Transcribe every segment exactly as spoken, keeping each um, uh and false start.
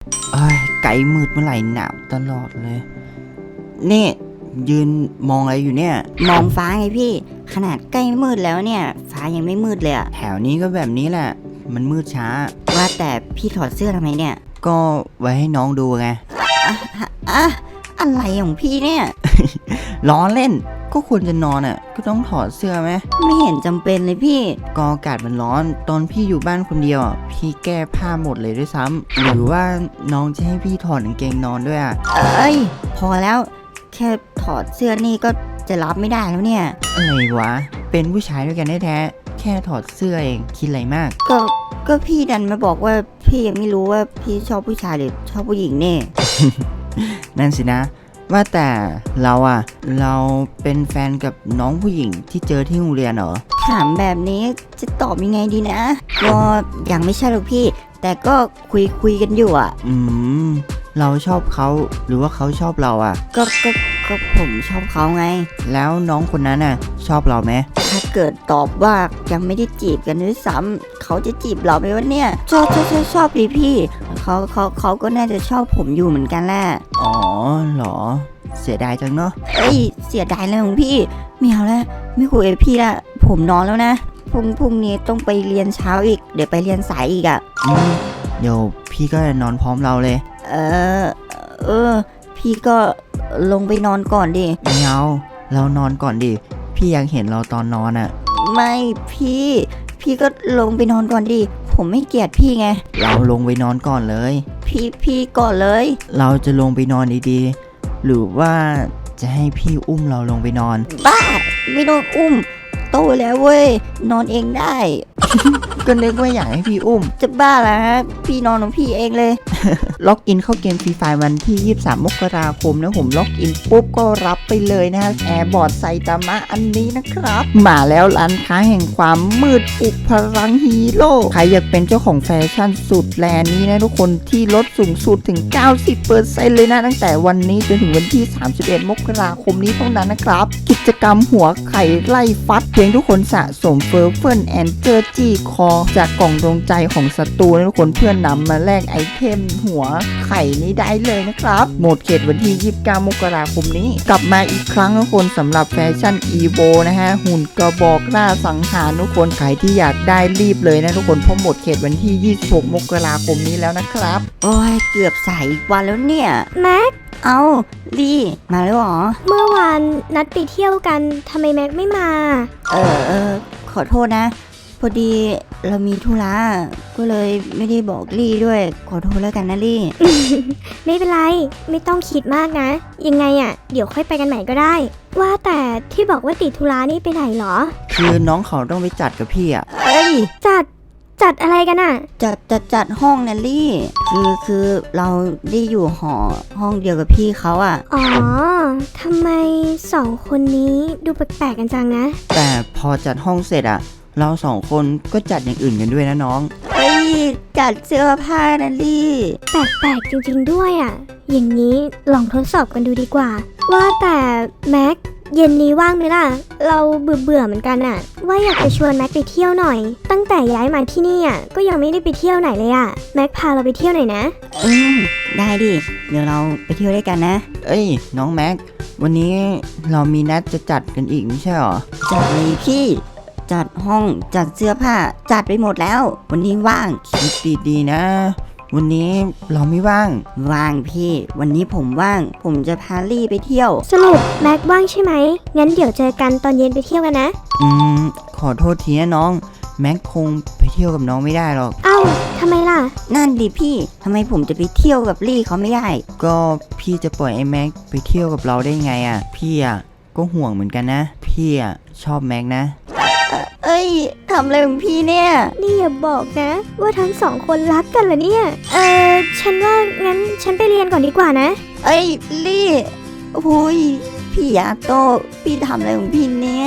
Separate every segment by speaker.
Speaker 1: เอ้ยไกลมืดเมื่อไหร่หนาวตลอดเลยนี่ยืนมองอะไรอยู่เนี่ย
Speaker 2: มองฟ้าไงพี่ขนาดใกล้มืดแล้วเนี่ยฟ้ายังไม่มืดเลยอะ
Speaker 1: แถวนี้ก็แบบนี้แหละมันมืดช้า
Speaker 2: ว่าแต่พี่ถอดเสื้อทำไมเนี่ย
Speaker 1: ก็ไว้ให้น้องดูไง
Speaker 2: อะอะอะไรของพี่เนี่ย
Speaker 1: ล้อเล่นก็ควรจะนอนอ่ะก็ต้องถอดเสื้อไหม
Speaker 2: ไม่เห็นจำเป็นเลยพี่
Speaker 1: ก็อากาศมันร้อนตอนพี่อยู่บ้านคนเดียวอ่ะพี่แก้ผ้าหมดเลยด้วยซ้ำหรือว่าน้องจะให้พี่ถอดกางเกงนอนด้วยอ่ะ
Speaker 2: เอ้ยพอแล้วแค่ถอดเสื้อนี่ก็จะรับไม่ได้แล้วเนี่ย
Speaker 1: อะไรวะเป็นผู้ชายด้วยกันแท้ๆแค่ถอดเสื้อเองคิดอะไรมาก
Speaker 2: ก็ก็พี่ดันมาบอกว่าพี่ยังไม่รู้ว่าพี่ชอบผู้ชายหรือชอบผู้หญิงเนี่ย
Speaker 1: นั่นสินะว่าแต่เราอะเราเป็นแฟนกับน้องผู้หญิงที่เจอที่โรงเรียนเหรอ
Speaker 2: ถามแบบนี้จะตอบยังไงดีนะก็ยังไม่ใช่หรอกพี่แต่ก็คุยคุยกันอยู่อ่ะ
Speaker 1: อืมเราชอบเขาหรือว่าเขาชอบเราอะ
Speaker 2: ก็ก็ก็ผมชอบเขาไง
Speaker 1: แล้วน้องคนนั้นน่ะชอบเราไหม
Speaker 2: ถ้าเกิดตอบว่ายังไม่ได้จีบกันด้วยซ้ำเขาจะจีบเราไหมวะเนี่ยชอบชอบชอบชอบดิพี่เขาเขาเขาก็น่าจะชอบผมอยู่เหมือนกันแหละ
Speaker 1: อ๋อเหรอเสียดายจังเนาะ
Speaker 2: เอ้ยเสียดายเลยของพี่ไม่เอาแล้วไม่คุยกับพี่ละผมนอนแล้วนะพรุ่งพรุ่งนี้ต้องไปเรียนเช้าอีกเดี๋ยวไปเรียนสายอีกอ่ะ
Speaker 1: อืมเดี๋ยวพี่ก็จะนอนพร้อมเราเลย
Speaker 2: เออเออพี่ก็ลงไปนอนก่อนดิ
Speaker 1: ไม่เอาเรานอนก่อนดิพี่ยังเห็นเราตอนนอนอ่ะ
Speaker 2: ไม่พี่พี่ก็ลงไปนอนก่อนดิผมไม่เกลียดพี่ไง
Speaker 1: เราลงไปนอนก่อนเลย
Speaker 2: พี่พี่ก่อนเลย
Speaker 1: เราจะลงไปนอนดีๆหรือว่าจะให้พี่อุ้มเราลงไปนอน
Speaker 2: บ้าไม่ต้องอุ้มโตแล้วเว้ยนอนเองได้
Speaker 1: ก็นึกว่าอยากให้พี่อุ้ม
Speaker 2: จะบ้าแล้วฮะพี่นอนของพี่เองเลย
Speaker 1: ล็อกอินเข้าเกมฟรีไฟวันที่ยี่สิบสามมกราคมนะผมล็อกอินปุ๊บก็รับไปเลยนะแอร์บอร์ดไซตามะอันนี้นะครับมาแล้วร้านค้าแห่งความมืดปลุกพลังฮีโร่ใครอยากเป็นเจ้าของแฟชั่นสุดแลนี้นะทุกคนที่ลดสูงสุดถึง เก้าสิบเปอร์เซ็นต์ เลยนะตั้งแต่วันนี้จนถึงวันที่สามสิบเอ็ดมกราคมนี้เท่านั้นนะครับกิจกรรมหัวไข่ไล่ฟัดเพียงทุกคนสะสมเฟอร์เฟิร์นแอนเจอร์จี้คอจากกล่องดวงใจของศัตรูนะทุกคนเพื่อนนำมาแลกไอเทมหัวไข่นี้ได้เลยนะครับหมดเขตวันที่ยี่สิบเก้ามกราคมนี้กลับมาอีกครั้งทุกคนสำหรับแฟชั่นอีโวนะฮะหุ่นกระบอกหน้าสังหารทุกคนใครที่อยากได้รีบเลยนะทุกคนเพราะหมดเขตวันที่ยี่สิบหกมกราคมนี้แล้วนะครับ
Speaker 2: โอ้ยเกือบสายอีกวันแล้วเนี่ย
Speaker 3: แม็ก
Speaker 2: เอาลี่มาแล้วหรอ
Speaker 3: เมื่อวานนัดไปเที่ยวกันทำไมแม็กไม่มา
Speaker 2: เออเออขอโทษนะพอดีเรามีธุระก็เลยไม่ได้บอกลี่ด้วยขอโทษแล้วกันนะลี่
Speaker 3: ไม่เป็นไรไม่ต้องคิดมากนะยังไงอ่ะเดี๋ยวค่อยไปกันใหม่ก็ได้ว่าแต่ที่บอกว่าติดธุระนี่ไปไหนหรอ
Speaker 1: คือน้องเขาต้องไปจัดกับพี่อ่ะ
Speaker 2: เอ้ย
Speaker 3: จัดจัดอะไรกันอ่ะ
Speaker 2: จัดจัดจัดห้องนะลี่คือคือเราได้อยู่หอห้องเดียวกับพี่เขาอ่ะ
Speaker 3: อ๋อทำไมสองคนนี้ดูแปลกๆกันจังนะ
Speaker 1: แต่พอจัดห้องเสร็จอ่ะเราสองคนก็จัดอย่างอื่นกันด้วยนะน้อง
Speaker 2: เอ้ยจัดเสื้อผ้านะลี่
Speaker 3: แปลกๆจริงๆด้วยอ่ะอย่างนี้ลองทดสอบกันดูดีกว่าว่าแต่แม็กเย็นนี้ว่างไหมล่ะเราเบื่อเบื่อเหมือนกันอ่ะว่าอยากจะชวนแม็กไปเที่ยวหน่อยตั้งแต่ย้ายมาที่นี่อ่ะก็ยังไม่ได้ไปเที่ยวไหนเลยอ่ะแม็กพาเราไปเที่ยวหน่อยนะ
Speaker 2: อืมได้ดิเดี๋ยวเราไปเที่ยวด้วยกันนะ
Speaker 1: เอ้ยน้องแม็กวันนี้เรามีนัดจะจัดกันอีกไม่ใช่หรอ
Speaker 2: จัดเลยพี่จัดห้องจัดเสื้อผ้าจัดไปหมดแล้ววันนี้ว่าง
Speaker 1: คิดดีๆนะวันนี้เราไม่ว่าง
Speaker 2: ว่างพี่วันนี้ผมว่างผมจะพาลี่ไปเที่ยว
Speaker 3: สรุปแม็กว่างใช่ไหมงั้นเดี๋ยวเจอกันตอนเย็นไปเที่ยวกันนะ
Speaker 1: อืมขอโทษทีนะน้องแม็กคงไปเที่ยวกับน้องไม่ได้หรอก
Speaker 3: เอ้าทำไมล่ะ
Speaker 2: นั่นดิพี่ทำไมผมจะไปเที่ยวกับลี่เขาไม่ได้
Speaker 1: ก็พี่จะปล่อยไอ้แม็กไปเที่ยวกับเราได้ไงอ่ะพี่อ่ะก็ห่วงเหมือนกันนะพี่อ่ะชอบแม็กนะ
Speaker 2: เอ้ยทำอะไรของพี่เนี่ย
Speaker 3: นี่อย่าบอกนะว่าทั้งสองคนรักกันเหรอเนี่ยเออฉันว่างั้นฉันไปเรียนก่อนดีกว่านะ
Speaker 2: เอ้ยลี่โอ้ยพี่ยาโตพี่ทำอะไรของพี่เนี่ย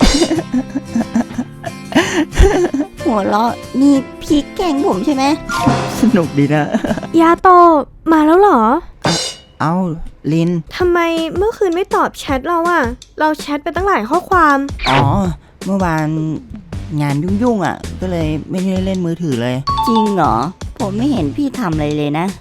Speaker 2: หัวเราะนี่พี่แกล้งผมใช่ไหม
Speaker 1: สนุกดีนะ
Speaker 3: ยาโตมาแล้วเหรอ
Speaker 1: เอ้าลิน
Speaker 3: ทำไมเมื่อคืนไม่ตอบแชทเราอะเราแชทไปตั้งหลายข้อความ
Speaker 1: อ๋อเมื่อวานงานยุ่งๆอ่ะก็เลยไม่ได้เล่นมือถือเลย
Speaker 2: จริงเหรอผมไม่เห็นพี่ทำอะไรเลยนะ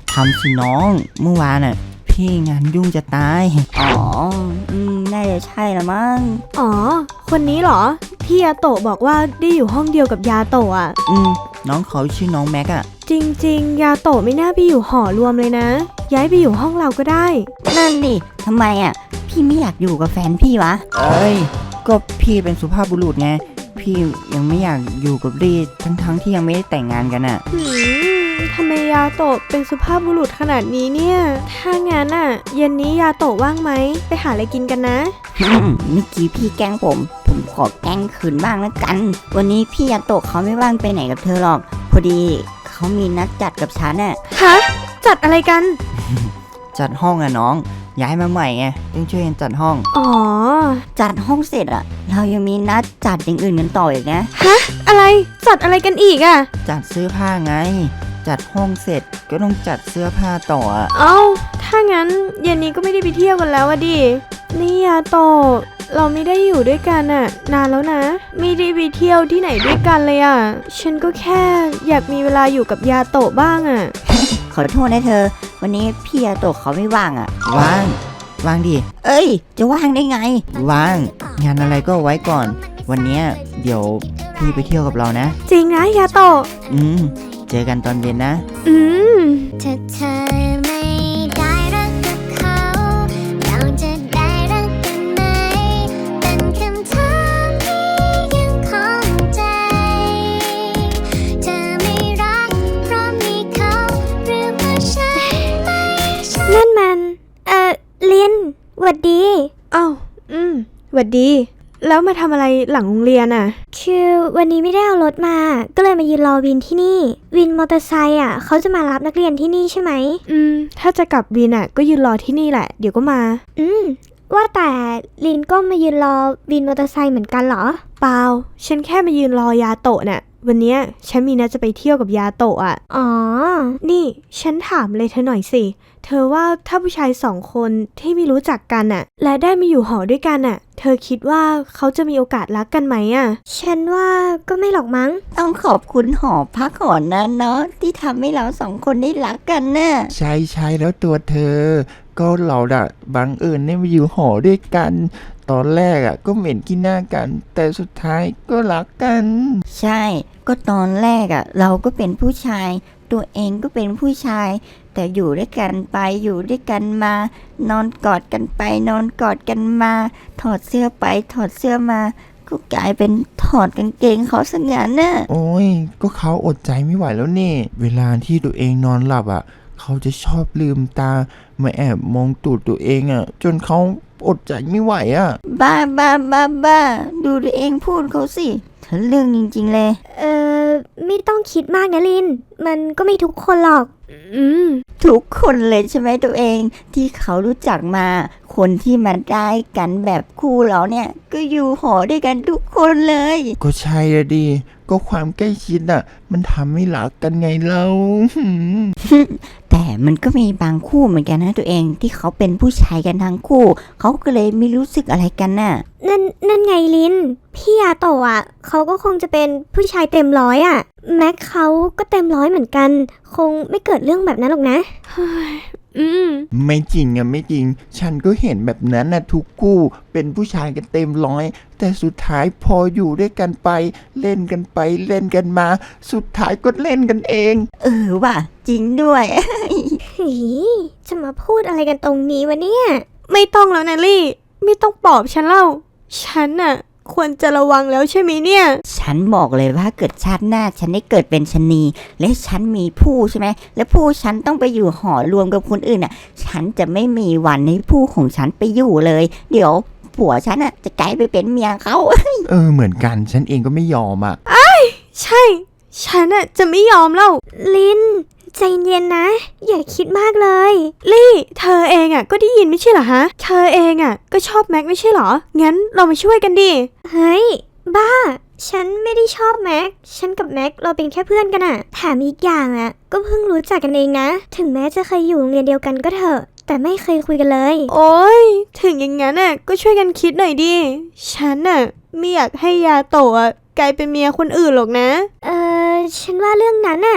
Speaker 1: ทำสิน้องเมื่อวานน่ะพี่งานยุ่งจะตาย
Speaker 2: อ๋ออืมน่าจะใช่ละมั้ง
Speaker 3: อ๋อ คนนี้เหรอที่ยาโตะบอกว่าได้อยู่ห้องเดียวกับยาโตะอ่ะ
Speaker 1: อืมน้องเขาชื่อน้องแม็กอะ
Speaker 3: จริงๆ ยาโตะไม่น่าไปอยู่หอรวมเลยนะ ย้ายไปอยู่ห้องเราก็ได้
Speaker 2: นั่นดิทำไมอ่ะพี่ไม่อยากอยู่กับแฟนพี่วะ
Speaker 1: เอ้ยก็พี่เป็นสุภาพบุรุษไงพี่ยังไม่อยากอยู่กับรีทั้งๆที่ยังไม่ได้แต่งงานกันอะ
Speaker 3: หืมทำไมยาโตะเป็นสุภาพบุรุษขนาดนี้เนี่ย ถ้างั้นอ่ะ เย็นนี้ยาโตะว่างไหม ไปหาอะไรกินกันนะ
Speaker 2: อืมเมื่อกี้พี่แกล้งผม ผมขอแกล้งคืนบ้างแล้วกัน วันนี้พี่ยาโตะเขาไม่ว่างไปไหนกับเธอหรอก พอดีเขามีนัดจัดกับฉันน่ะ
Speaker 3: ฮะ จัดอะไรกัน
Speaker 1: จัดห้องอะน้องย้ายมาใหม่ไงต้องช่วยกันจัดห้อง
Speaker 3: อ๋อ
Speaker 2: จัดห้องเสร็จอ่ะ เรายังมีนัดจัดอย่างอื่นกันต่ออีกนะ
Speaker 3: ฮะ อะไร จัดอะไรกันอีกอ่ะ
Speaker 1: จัดเสื้อผ้าไง จัดห้องเสร็จก็ต้องจัดเสื้อผ้าต่ออะ
Speaker 3: เอ้า ถ้างั้นเย็นนี้ก็ไม่ได้ไปเที่ยวกันแล้วอะดิ นี่ยาโตะเราไม่ได้อยู่ด้วยกันอะนานแล้วนะ ไม่ได้ไปเที่ยวที่ไหนด้วยกันเลยอะฉันก็แค่อยากมีเวลาอยู่กับยาโตะบ้างอะ
Speaker 2: ขอโทษนะเธอ วันนี้พี่ยาโตะเขาไม่ว่างอ่ะ
Speaker 1: ว่างว่างดิ
Speaker 2: เอ้ย จะว่างได้ไง
Speaker 1: ว่างงานอะไรก็ไว้ก่อน วันเนี้ยเดี๋ยวพี่ไปเที่ยวกับเรานะ
Speaker 3: จริงนะยาโตะ
Speaker 1: อืมเจอกันตอนเย็นนะ
Speaker 3: อืม
Speaker 4: ถ้าเธอไม่ได้รักกับเขาเราจะได้รักกันไหมเป็นคำถามที่ยังคงใจ เธอไม่รักเพราะมีเขาหรือเพราะฉันไม่ใช่
Speaker 3: นั่นมัน เอ่อลินหวัดดีอ้าวอืมหวัดดี แล้วมาทำอะไรหลังโรงเรียนอ่ะ คือวันนี้ไม่ได้เอารถมา ก็เลยมายืนรอวินที่นี่ วินมอเตอร์ไซค์อ่ะเขาจะมารับนักเรียนที่นี่ใช่ไหม อืม ถ้าจะกลับวินอ่ะ ก็ยืนรอที่นี่แหละ เดี๋ยวก็มา อืม ว่าแต่ลินก็มายืนรอวินมอเตอร์ไซค์เหมือนกันเหรอ เปล่า ฉันแค่มายืนรอยาโตะน่ะ วันเนี้ยฉันมีนัดจะไปเที่ยวกับยาโตะอ่ะ อ๋อ นี่ฉันถามเลยเธอหน่อยสิ เธอว่าถ้าผู้ชายสองคนที่ไม่รู้จักกันน่ะ และได้มาอยู่หอด้วยกันน่ะ เธอคิดว่าเขาจะมีโอกาสรักกันไหมอ่ะ ฉันว่าก็ไม่หรอกมั้ง
Speaker 2: ต้องขอบคุณหอพักหอนั้นเนาะที่ทำให้เราสองคนได้รักกันน่ะ
Speaker 5: ใช่ใช่แล้วตัวเธอ ก็เราอะบังเอิญได้มาอยู่หอด้วยกัน ตอนแรกอะก็เหม็นขี้หน้ากัน แต่สุดท้ายก็รักกัน
Speaker 2: ใช่ ก็ตอนแรกอ่ะ เราก็เป็นผู้ชาย ตัวเองก็เป็นผู้ชาย แต่อยู่ด้วยกันไปอยู่ด้วยกันมา นอนกอดกันไปนอนกอดกันมา ถอดเสื้อไปถอดเสื้อมา ก็กลายเป็นถอดกางเกงเขาสักอย่างน่ะ
Speaker 5: โอ้ย ก็เขาอดใจไม่ไหวแล้วนี่ เวลาที่ตัวเองนอนหลับอะเขาจะชอบลืมตามาแอบมองตูดตัวเองอะจนเขาอดใจไม่ไหวอะ
Speaker 2: บ้าบ้าบ้าบ้าดูตัวเองพูดเขาสิเธอเรื่องจริงๆเลย
Speaker 3: เออไม่ต้องคิดมากนะลิน มันก็ไม่ทุกคนหรอก อืม
Speaker 2: ทุกคนเลยใช่ไหมตัวเองที่เขารู้จักมา คนที่มาได้กันแบบคู่เราเนี่ย ก็อยู่หอด้วยกันทุกคนเลย
Speaker 5: ก็ใช่อะดิ ก็ความใกล้ชิดอะมันทำให้รักกันไงเราหืม
Speaker 2: แต่มันก็มีบางคู่เหมือนกันนะตัวเองที่เขาเป็นผู้ชายกันทั้งคู่ เขาก็เลยไม่รู้สึกอะไรกันน่ะ
Speaker 3: นั่นนั่นไงลิน พี่ยาโตะอ่ะเขาก็คงจะเป็นผู้ชายเต็มร้อยอ่ะ แม็กเขาก็เต็มร้อยเหมือนกัน คงไม่เกิดเรื่องแบบนั้นหรอกนะ อืม
Speaker 5: ไม่จริงอะไม่จริง ฉันก็เห็นแบบนั้นนะทุกคู่เป็นผู้ชายกันเต็มร้อย แต่สุดท้ายพออยู่ด้วยกันไป เล่นกันไปเล่นกันมา สุดท้ายก็เล่นกันเอง
Speaker 2: เออว่ะจริงด้วย
Speaker 3: หีจะมาพูดอะไรกันตรงนี้วะเนี่ย ไม่ต้องแล้วนะลี่ ไม่ต้องปลอบฉันเล่า ฉันน่ะ ควรจะระวังแล้วใช่ไหมเนี่ย
Speaker 2: ฉันบอกเลยว่าเกิดชาติหน้าฉันได้เกิดเป็นชะนี และฉันมีผู้ใช่ไหมและผู้ฉันต้องไปอยู่หอรวมกับคนอื่นอ่ะ ฉันจะไม่มีวันให้ผู้ของฉันไปอยู่เลย เดี๋ยวผัวฉันอ่ะจะกลายไปเป็นเมียเขา
Speaker 5: เออเหมือนกันฉันเองก็ไม่ยอมอะ
Speaker 3: ใช่ ฉันน่ะจะไม่ยอมเล่า ลิน ใจเย็นนะ อย่าคิดมากเลย ลี่ เธอเองอ่ะก็ได้ยินไม่ใช่เหรอฮะ เธอเองอ่ะก็ชอบแม็กไม่ใช่เหรอ งั้นเรามาช่วยกันดิ เฮ้ย บ้า ฉันไม่ได้ชอบแม็ก ฉันกับแม็กเราเป็นแค่เพื่อนกันอะแถมอีกอย่างอะก็เพิ่งรู้จักกันเองนะ ถึงแม้จะเคยอยู่โรงเรียนเดียวกันก็เถอะ แต่ไม่เคยคุยกันเลย โอ้ย ถึงอย่างงั้นอะก็ช่วยกันคิดหน่อยดิ ฉันอะไม่อยากให้ยาโตะอะกลายเป็นเมียคนอื่นหรอกนะ เออฉันว่าเรื่องนั้นอะ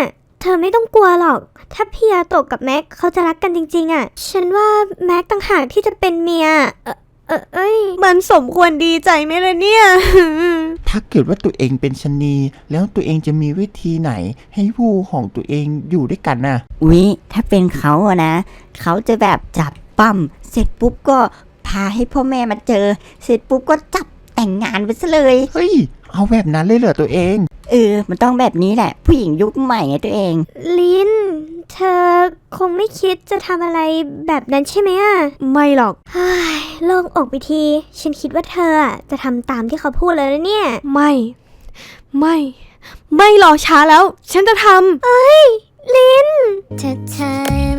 Speaker 3: เธอไม่ต้องกลัวหรอก ถ้าพี่ยาโตะกับแม็กเขาจะรักกันจริงๆอะฉันว่าแม็กต่างหากที่จะเป็นเมีย เออเออเอ้ยมันสมควรดีใจไหมล่ะเนี่ย
Speaker 5: ถ้าเกิดว่าตัวเองเป็นชะนีแล้วตัวเองจะมีวิธีไหน ให้ผู้ของตัวเองอยู่ด้วยกันน่ะ
Speaker 2: อุ๊ยถ้าเป็นเขาอะนะเขาจะแบบจับปั้มเสร็จปุ๊บก็พาให้พ่อแม่มาเจอ เสร็จปุ๊บก็จับแต่งงานไปซะเลย
Speaker 5: เฮ้ย เอาแบบนั้นเลยเหรอตัวเอง
Speaker 2: เออมันต้องแบบนี้แหละ ผู้หญิงยุคใหม่ไงตัวเอง
Speaker 3: ลิน เธอคงไม่คิดจะทำอะไรแบบนั้นใช่ไหมอะไม่หรอกเฮ้ยโล่งอกไปที ฉันคิดว่าเธออะจะทำตามที่เขาพูดแล้วนะเนี่ย ไม่ ไม่ ไม่รอช้าแล้ว ฉันจะทำเอ้ย ลิน
Speaker 4: ถ้าเธอ